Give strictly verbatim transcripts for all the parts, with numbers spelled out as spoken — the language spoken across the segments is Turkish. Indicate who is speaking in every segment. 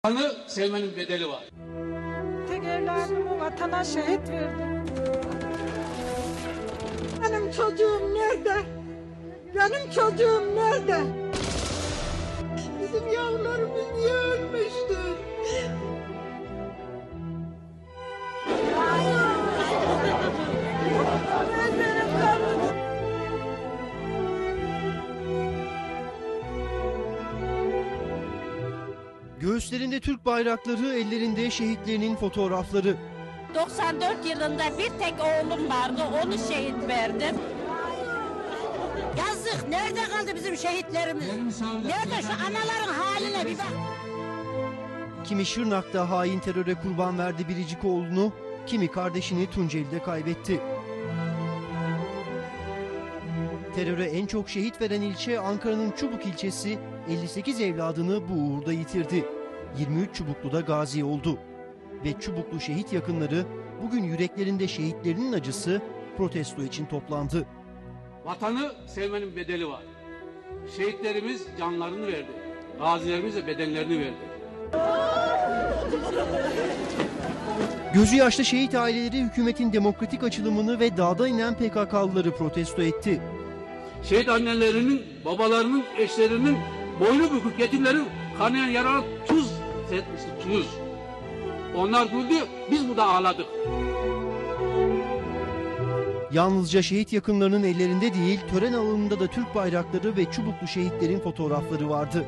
Speaker 1: Vatanı sevmenin bedeli var.
Speaker 2: Tek evladımı vatana şehit verdim. Benim çocuğum nerede? Benim çocuğum nerede? Bizim yavrularımız niye ölmüştü?
Speaker 3: Göğüslerinde Türk bayrakları, ellerinde şehitlerinin fotoğrafları.
Speaker 4: doksan dört yılında bir tek oğlum vardı, onu şehit verdim. Yazık, nerede kaldı bizim şehitlerimiz? Nerede şu anaların haline bir bak.
Speaker 3: Kimi Şırnak'ta hain teröre kurban verdi biricik oğlunu, kimi kardeşini Tunceli'de kaybetti. Teröre en çok şehit veren ilçe Ankara'nın Çubuk ilçesi, elli sekiz evladını bu uğurda yitirdi. yirmi üç Çubuklu'da gazi oldu. Ve Çubuklu şehit yakınları bugün yüreklerinde şehitlerinin acısı protesto için toplandı.
Speaker 1: Vatanı sevmenin bedeli var. Şehitlerimiz canlarını verdi. Gazilerimiz de bedenlerini verdi.
Speaker 3: Gözü yaşlı şehit aileleri hükümetin demokratik açılımını ve dağda inen P K K'lıları protesto etti.
Speaker 1: Şehit annelerinin, babalarının, eşlerinin, boynu bükük yetimlerin kanayan yarana tuz etmişti, tuz. Onlar güldü, biz burada ağladık.
Speaker 3: Yalnızca şehit yakınlarının ellerinde değil, tören alanında da Türk bayrakları ve Çubuklu şehitlerin fotoğrafları vardı.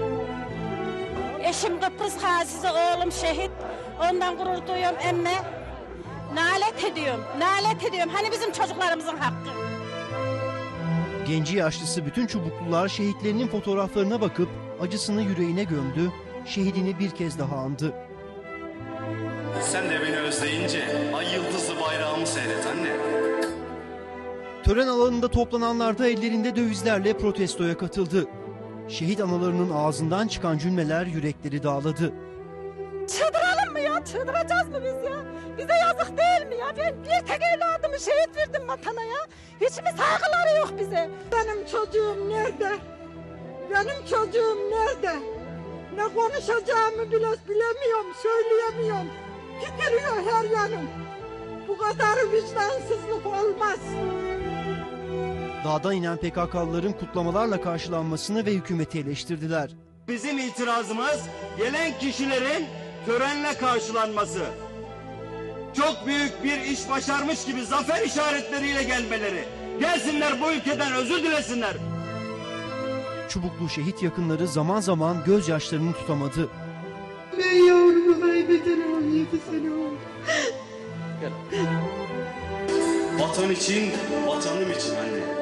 Speaker 4: Eşim Kıbrıs gazisi, oğlum şehit. Ondan gurur duyuyorum emme. Nalet ediyorum, nalet ediyorum. Hani bizim çocuklarımızın hakkı.
Speaker 3: Genci yaşlısı bütün Çubuklular şehitlerinin fotoğraflarına bakıp acısını yüreğine gömdü, şehidini bir kez daha andı.
Speaker 5: Sen de beni özleyince ay yıldızlı bayrağımı seyret anne.
Speaker 3: Tören alanında toplananlar da ellerinde dövizlerle protestoya katıldı. Şehit analarının ağzından çıkan cümleler yürekleri dağladı.
Speaker 2: Çıldıralım mı ya? Çıldıracağız mı biz ya? Bize yazık değil mi ya? Ben bir tek evladımı şehit verdim vatana ya. Hiç mi saygıları yok bize? Benim çocuğum nerede? Benim çocuğum nerede? Ne konuşacağımı bile bilemiyorum, söyleyemiyorum. Titriyor her yanım. Bu kadar vicdansızlık olmaz.
Speaker 3: Dağdan inen P K K'lıların kutlamalarla karşılanmasını ve hükümeti eleştirdiler.
Speaker 6: Bizim itirazımız gelen kişilerin törenle karşılanması. Çok büyük bir iş başarmış gibi zafer işaretleriyle gelmeleri. Gelsinler bu ülkeden özür dilesinler.
Speaker 3: Çubuklu şehit yakınları zaman zaman gözyaşlarını tutamadı.
Speaker 2: Ben yavrumu kaybederim on yedi sene oldu.
Speaker 5: Vatan için, vatanım için anne.